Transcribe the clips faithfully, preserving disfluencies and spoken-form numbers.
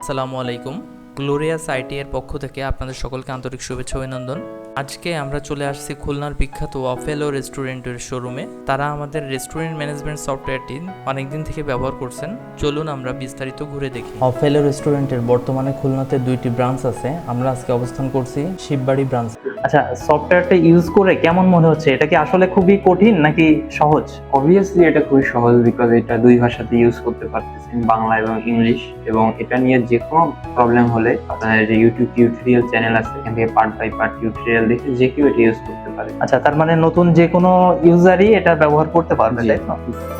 আসসালামু আলাইকুম। Glorious IT এর পক্ষ থেকে আপনাদের সকলকে আন্তরিক শুভেচ্ছা ও অভিনন্দন। আজকে আমরা চলে আসছি খুলনার বিখ্যাত অফেলো রেস্টুরেন্টের শোরুমে। তারা আমাদের রেস্টুরেন্ট ম্যানেজমেন্ট সফটওয়্যারটি অনেকদিন থেকে ব্যবহার করছেন। চলুন আমরা বিস্তারিত ঘুরে দেখি। অফেলো রেস্টুরেন্টের বর্তমানে খুলনাতে দুইটি ব্রাঞ্চ আছে। আমরা আজকে অবস্থান করছি শিববাড়ি ব্রাঞ্চ। আচ্ছা, সফটওয়্যারটা ইউজ করে কেমন মনে হচ্ছে? এটা কি আসলে খুবই কঠিন নাকি সহজ? অবভিয়াসলি এটা খুবই সহজ, বিকজ এটা দুই ভাষাতে ইউজ করতে পারতেছেন, বাংলা এবং ইংলিশ। এবং এটা নিয়ে যে কোনো প্রবলেম হলে আপনার যে ইউটিউব টিউটোরিয়াল চ্যানেল আছে, এখান থেকে পার্ট বাই পার্ট টিউটোরিয়াল দেখে যে কেউ এটা ইউজ করতে পারে। আচ্ছা, তার মানে নতুন যে কোনো ইউজারই এটা ব্যবহার করতে পারবে, তাই তো?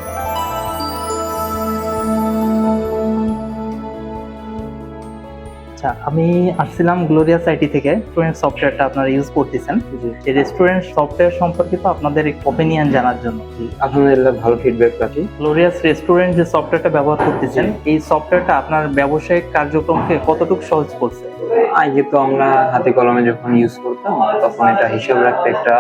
আচ্ছা, আমি আসছিলাম গ্লোরিয়াস আইটি থেকে। রেস্টুরেন্ট সফটওয়্যারটা আপনারা ইউজ করতেছেন, এই রেস্টুরেন্ট সফটওয়্যার সম্পর্কিত আপনাদের ওপিনিয়ন জানার জন্য। আলহামদুলিল্লাহ, ভালো ফিডব্যাক পাচ্ছি। গ্লোরিয়াস রেস্টুরেন্ট যে সফটওয়্যারটা ব্যবহার করতেছেন, এই সফটওয়্যারটা আপনার ব্যবসায়িক কার্যক্রমকে কতটুকু সহজ করছে? আগে তো আমরা হাতে কলমে যখন ইউজ করতাম তখন এটা হিসাব রাখতে একটা,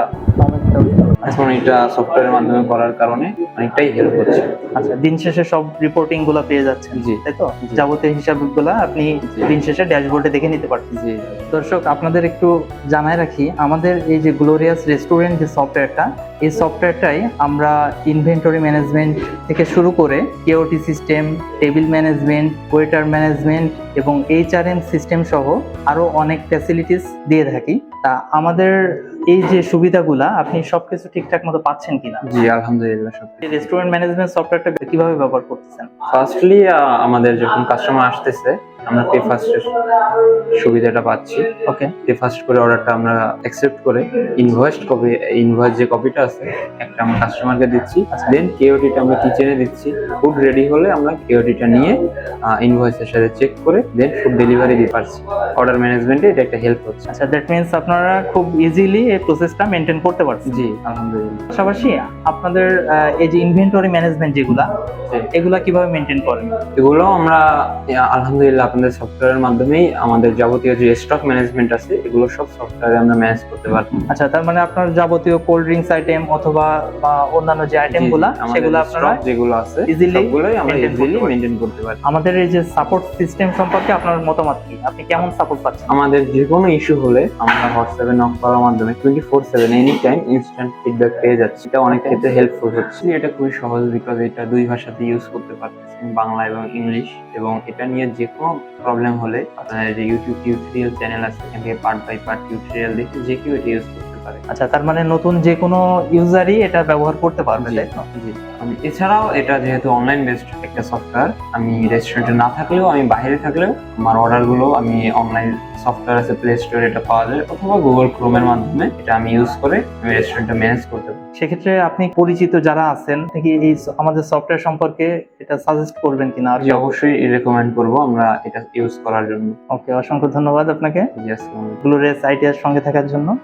এখন এটা সফটওয়্যারের মাধ্যমে করার কারণে অনেকটাই হেল্প হচ্ছে। আচ্ছা, দিন শেষে সব রিপোর্টিং গুলো পেয়ে যাচ্ছেন, জি। তাই তো? জি। যাবতীয় হিসাব গুলা আপনি জি। দিন শেষে ড্যাশবোর্ডে দেখে নিতে পারছেন। জি। দর্শক, আপনাদের একটু জানাই রাখি, আমাদের এই যে গ্লোরিয়াস রেস্টুরেন্ট যে সফটওয়্যারটা, এই সফটওয়্যারটাই আমরা ইনভেন্টরি ম্যানেজমেন্ট থেকে শুরু করে KOT system, table management, waiter management এবং এইচআরএম সিস্টেম সহ আরো অনেক ফ্যাসিলিটিস দিয়ে থাকি। তা আমাদের এই যে সুবিধাগুলা আপনি সবকিছু ঠিকঠাক মতো পাচ্ছেন কিনা? জি, আলহামদুলিল্লাহ। সব এই রেস্টুরেন্ট ম্যানেজমেন্ট সফটওয়্যারটা কিভাবে ব্যবহার করতেছেন? ফার্স্টলি আমাদের যখন কাস্টমার আসতেছে আমরা পে ফার্স্টের সুবিধাটা পাচ্ছি। ওকে, পে ফার্স্ট করে অর্ডারটা আমরা অ্যাকসেপ্ট করে ইনভয়েসড কপি, ইনভয়েস যে কপিটা আছে একটা আমরা কাস্টমারকে দিচ্ছি, দেন কেওটিটা আমরা কিচেনে দিচ্ছি। ফুড রেডি হলে আমরা কেওটিটা নিয়ে ইনভয়েসের সাথে চেক করে দেন ফুড ডেলিভারি দিতে পারছি। অর্ডার ম্যানেজমেন্টে এটা একটা হেল্প হচ্ছে। আচ্ছা, দ্যাট মিন্স আপনারা খুব ইজিলি এই প্রসেসটা মেনটেন করতে পারছেন। জি, আলহামদুলিল্লাহ। পাশাপাশি আপনাদের আহ, এই যে ইনভেন্টরি ম্যানেজমেন্ট যেগুলা, জি। এগুলা কিভাবে মেনটেন করেন? এগুলো আমরা আহ, আলহামদুলিল্লাহ আপনাদের সফটওয়্যারের মাধ্যমেই আমাদের যাবতীয় যে স্টক ম্যানেজমেন্ট আছে এগুলো সব সফটওয়্যারে আমরা ম্যানেজ করতে পারি। আচ্ছা, তার মানে আপনার যাবতীয় কোল্ড ড্রিঙ্কস আইটেম অথবা বা অন্যান্য যে আইটেম গুলা, সেগুলো আপনারা যেগুলো আছে easily সবগুলোই আমরা maintain ইজিলি করতে পারি। মেনটেন করতে পারি। আমাদের এই যে সাপোর্ট সিস্টেম সম্পর্কে আপনার মতামত কি? আপনি কেমন সাপোর্ট পাচ্ছেন? আমাদের যে কোনো ইস্যু হলে আমরা হোয়াটসঅ্যাপে নক করার মাধ্যমে twenty four seven any time instant feedback পেয়ে যাচ্ছি। এটা অনেক ক্ষেত্রে হেল্পফুল হচ্ছে। এটা খুবই সহজ, বিকজ এটা দুই ভাষাতে ইউজ করতে পারতেছেন, বাংলা এবং ইংলিশ। এবং এটা নিয়ে যে কোনো প্রবলেম হলে আপনার যে ইউটিউব টিউটোরিয়াল চ্যানেল আছে, এখান থেকে পার্ট বাই পার্ট টিউটোরিয়াল দেখে যে কেউ এটা ইউজ করতে পারে। আচ্ছা, তার মানে নতুন যে কোনো ইউজারই এটা ব্যবহার করতে পারবে, জি, তাই তো? জি। আমি এছাড়াও এটা যেহেতু অনলাইন বেসড একটা সফটওয়্যার, আমি রেস্টুরেন্টে না থাকলেও, আমি বাইরে থাকলেও আমার অর্ডারগুলো আমি অনলাইন সফটওয়্যার আছে প্লে স্টোরে, এটা পাওয়া যায়, অথবা গুগল ক্রোমের মাধ্যমে এটা আমি ইউজ করে আমি রেস্টুরেন্টটা ম্যানেজ করতে পারি। সেক্ষেত্রে আপনি পরিচিত যারা আছেন থেকে এই স- আমাদের সফটওয়্যার সম্পর্কে এটা সাজেস্ট করবেন কিনা? আর আমি অবশ্যই রেকমেন্ড করবো আমরা এটা ইউজ করার জন্য। ওকে, অসংখ্য ধন্যবাদ আপনাকে জি, আসসালামু আলাইকুম। গ্লোরিয়াস আইটিআর সঙ্গে থাকার জন্য।